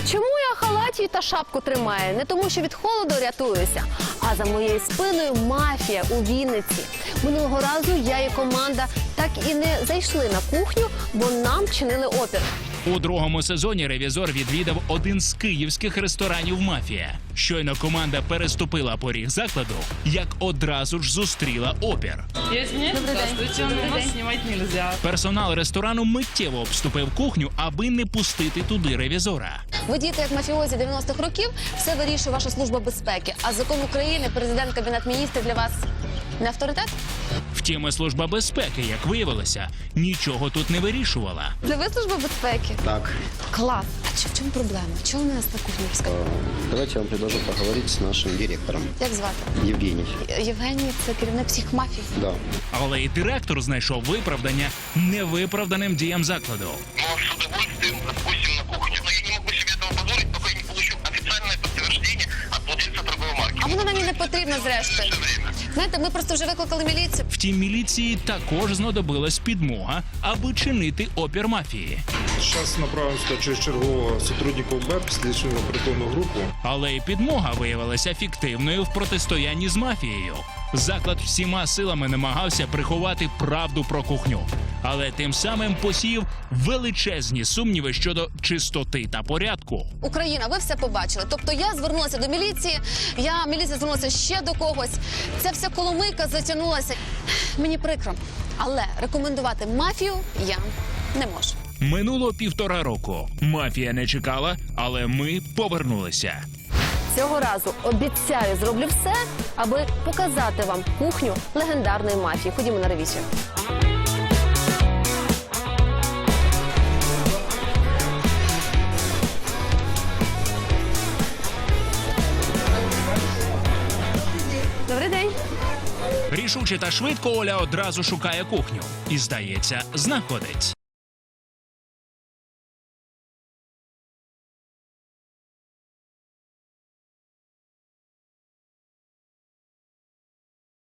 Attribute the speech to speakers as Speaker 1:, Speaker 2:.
Speaker 1: Чому я халаті та шапку тримаю? Не тому, що від холоду рятуюся, а за моєю спиною мафія у Вінниці. Минулого разу я і команда так і не зайшли на кухню, бо нам чинили опір.
Speaker 2: У другому сезоні ревізор відвідав один з київських ресторанів «Мафія». Щойно команда переступила поріг закладу, як одразу ж зустріла опір.
Speaker 3: Я извиняюсь, здравствуйте, но нас снимать нельзя.
Speaker 2: Персонал ресторану миттєво обступив кухню, аби не пустити туди ревізора.
Speaker 1: Ви діти, як мафіозі 90-х років, все вирішує ваша служба безпеки. А закон України, президент, Кабінет міністрів для вас не авторитет?
Speaker 2: Втім, і служба безпеки, як виявилося, нічого тут не вирішувала.
Speaker 1: Це ви служба безпеки?
Speaker 4: Так,
Speaker 1: Клас. А в чому проблема? Чого ви нас на кухню пускаєте?
Speaker 4: давайте я вам предложу поговорить с нашим директором.
Speaker 1: Як звати?
Speaker 4: Евгений.
Speaker 1: Євгеній – це керівник всіх мафій.
Speaker 4: Да.
Speaker 2: Але і директор знайшов виправдання невиправданим діям закладу.
Speaker 5: Мы вас с удовольствием запустим на кухню. Но я не могу себе этого позволить, пока я не получу официальное подтверждение от владельца торговой марки.
Speaker 1: А воно нам і не потрібно, зрештою.
Speaker 5: Все время.
Speaker 1: Знаєте, ми просто вже викликали міліцію.
Speaker 2: Втім, міліції також знадобилась підмога, аби чинити опір мафії.
Speaker 6: Сейчас направим сюда через чергового сотрудника УБЭП, слідчу оперативну групу.
Speaker 2: Але й підмога виявилася фіктивною в протистоянні з мафією. Заклад всіма силами намагався приховати правду про кухню, але тим самим посіяв величезні сумніви щодо чистоти та порядку.
Speaker 1: Україна, ви все побачили. Тобто я звернулася до міліції, міліція звернулася ще до когось. Ця вся коломийка затягнулася. Мені прикро, але рекомендувати мафію я не можу.
Speaker 2: Минуло 1,5 року. Мафія не чекала, але ми повернулися.
Speaker 1: Цього разу обіцяю, зроблю все, аби показати вам кухню легендарної мафії. Ходімо на ревізію. Добрий день.
Speaker 2: Рішуче та швидко Оля одразу шукає кухню. І, здається, знаходить.